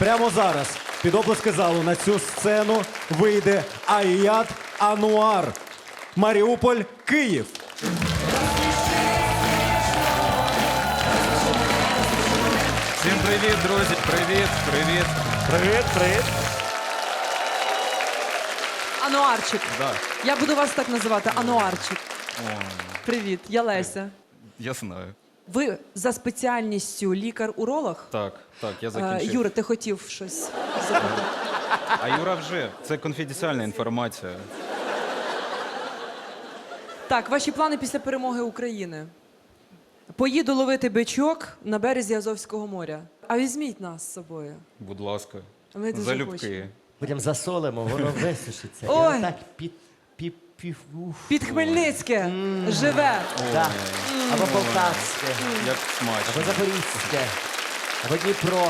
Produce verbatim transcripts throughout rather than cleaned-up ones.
Прямо зараз під оплески залу на цю сцену вийде Аїят Ануар. Маріуполь, Київ. Всім привіт, друзі! Привіт, привіт! Привіт, привіт. Ануарчик. Да. Я буду вас так називати. Ануарчик. О, Привіт, я Леся. я знаю. Ви за спеціальністю лікар-уролог? Так, так, я Е, закінчив. Юра, ти хотів щось запитати? А Юра вже. Це конфіденціальна інформація. Так, ваші плани після перемоги України. Поїду ловити бичок на березі Азовського моря. А візьміть нас з собою. Будь ласка. Ми дуже Залюбки. хочемо. Потім засолимо, воно висушиться. Ой. І так під, під, під, уф. Під Хмельницьке живе. Да. Або Полтавське, Як або смачно. Запорізьке, або Дніпро.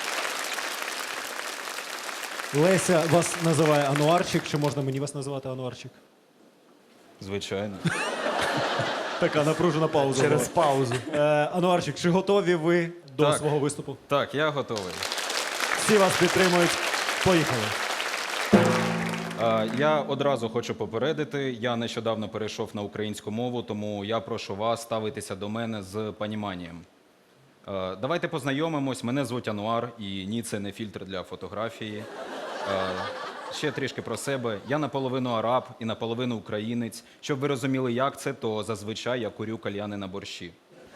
Леся вас називає Ануарчик. Чи можна мені вас називати Ануарчик? Звичайно. Така напружена пауза. Через паузу. Е, Ануарчик, чи готові ви до Так. свого виступу? Так, я готовий. Всі вас підтримують. Поїхали. А, Я одразу хочу попередити, я нещодавно перейшов на українську мову, тому я прошу вас ставитися до мене з поніманням. А, Давайте познайомимось. Мене звуть Ануар, і ні, це не фільтр для фотографії. А, Ще трішки про себе. Я наполовину араб і наполовину українець. Щоб ви розуміли, як це, то зазвичай я курю кальяни на борщі.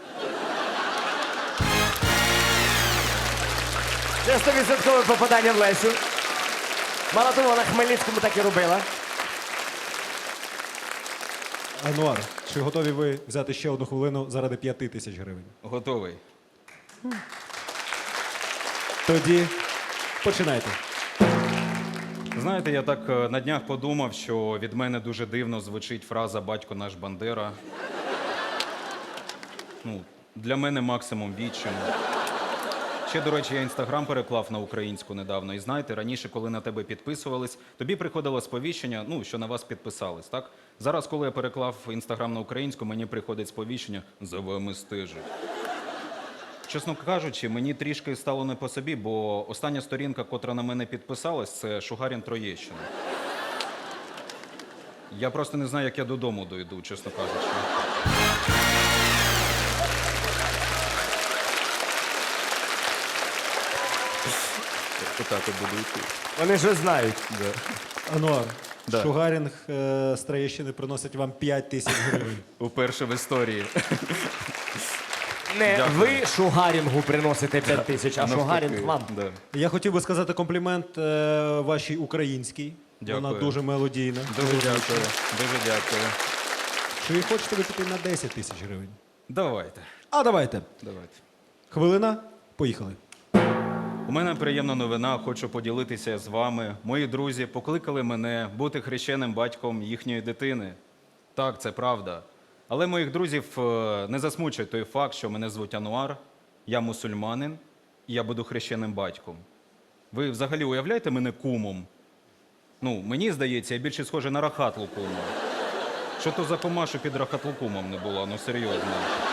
Це сто відсотків попадання в Лесю. Мало того, на Хмельницькому так і робила. Ануар, чи готові ви взяти ще одну хвилину заради п'яти тисяч гривень? Готовий? Тоді починайте. Знаєте, я так е, на днях подумав, що від мене дуже дивно звучить фраза «батько наш Бандера». Ну, для мене максимум відчим. Ще, до речі, я інстаграм переклав на українську недавно. І знаєте, раніше, коли на тебе підписувались, тобі приходило сповіщення, ну, що на вас підписались, так? Зараз, коли я переклав інстаграм на українську, мені приходить сповіщення «за вами стежать». Чесно кажучи, мені трішки стало не по собі, бо остання сторінка, котра на мене підписалась, це Шугарін Троєщина. Я просто не знаю, як я додому дойду, чесно кажучи. Отак от буду йти. Вони ж знають. Ануар, Да. Шугарінг е, з Троєщини приносить вам п'ять тисяч гривень. Уперше в історії. Не Дякую. ви Шугарінгу приносите п'ять тисяч, а Шугарінг Навпаки, вам. Да. Я хотів би сказати комплімент е, вашій українській. Вона Дякую. дуже мелодійна. Дуже дякую. Дуже дякую. Чи хочете ви піти на десять тисяч гривень? Давайте. А давайте. Давайте. Хвилина, поїхали. У мене приємна новина, хочу поділитися з вами. Мої друзі покликали мене бути хрещеним батьком їхньої дитини. Так, це правда. Але моїх друзів е, не засмучує той факт, що мене звуть Ануар, я мусульманин, і я буду хрещеним батьком. Ви взагалі уявляєте мене кумом? Ну, мені здається, я більше схожий на Рахат Лукума. Що то за кума, що під Рахат Лукумом не була, ну серйозно.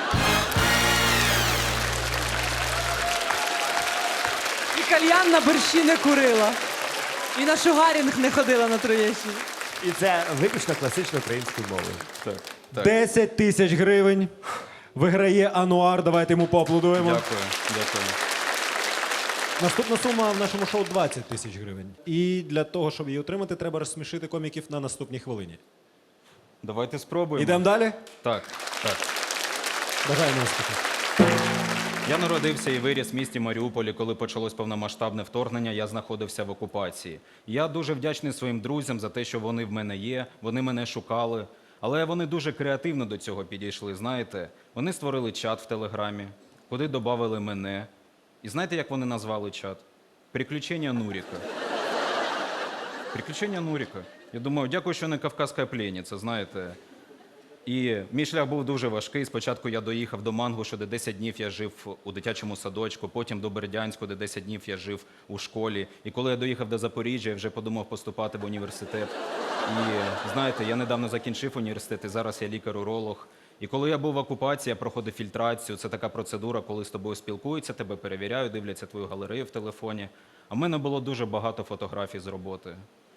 І кальян на борщі не курила. І на шугарінг не ходила на Троєщині. І це виключно класично українською мовою. Так, так. десять тисяч гривень. Виграє Ануар. Давайте йому поаплодуємо. Дякую, дякую. Наступна сума в нашому шоу двадцять тисяч гривень. І для того, щоб її отримати, треба розсмішити коміків на наступній хвилині. Давайте спробуємо. Ідемо далі? Так, так. Бажаємо успіху. Я народився і виріс в місті Маріуполі, коли почалось повномасштабне вторгнення, я знаходився в окупації. Я дуже вдячний своїм друзям за те, що вони в мене є, вони мене шукали. Але вони дуже креативно до цього підійшли, знаєте. Вони створили чат в Телеграмі, куди додали мене. І знаєте, як вони назвали чат? «Приключення Нуріка». «Приключення Нуріка». Я думаю, дякую, що не «Кавказька пленниця», знаєте. І мій шлях був дуже важкий. Спочатку я доїхав до Мангушу, де десять днів я жив у дитячому садочку, потім до Бердянську, де десять днів я жив у школі. І коли я доїхав до Запоріжжя, я вже подумав поступати в університет. І знаєте, я недавно закінчив університет, і зараз я лікар-уролог. І коли я був в окупації, я проходив фільтрацію. Це така процедура, коли з тобою спілкуються, тебе перевіряють, дивляться твою галерею в телефоні. А в мене було дуже багато фотографій з роботи.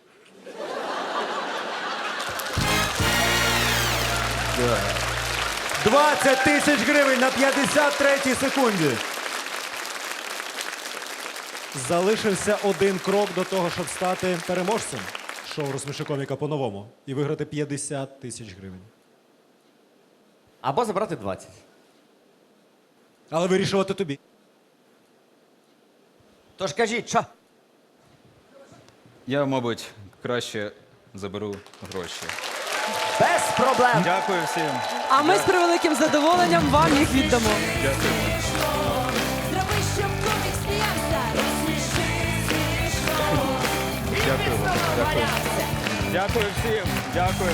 двадцять тисяч гривень на п'ятдесят третій секунді. Залишився один крок до того, щоб стати переможцем шоу «Розсміши коміка» по-новому і виграти п'ятдесят тисяч гривень. Або забрати двадцять. Але вирішувати тобі. Тож кажіть, що? Я, мабуть, краще заберу гроші. Без проблем. Дякую всім. А ми з превеликим задоволенням вам їх віддамо. Дякую. Зроби, щоб комік сміявся. Розсміши смішно. Дякую вам. Дякую. Дякую всім. Дякую.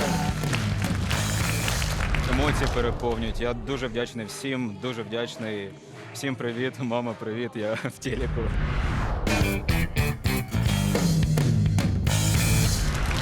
Емоції переповнюють. Я дуже вдячний всім, дуже вдячний. Всім привіт, мама, привіт, я в телеку.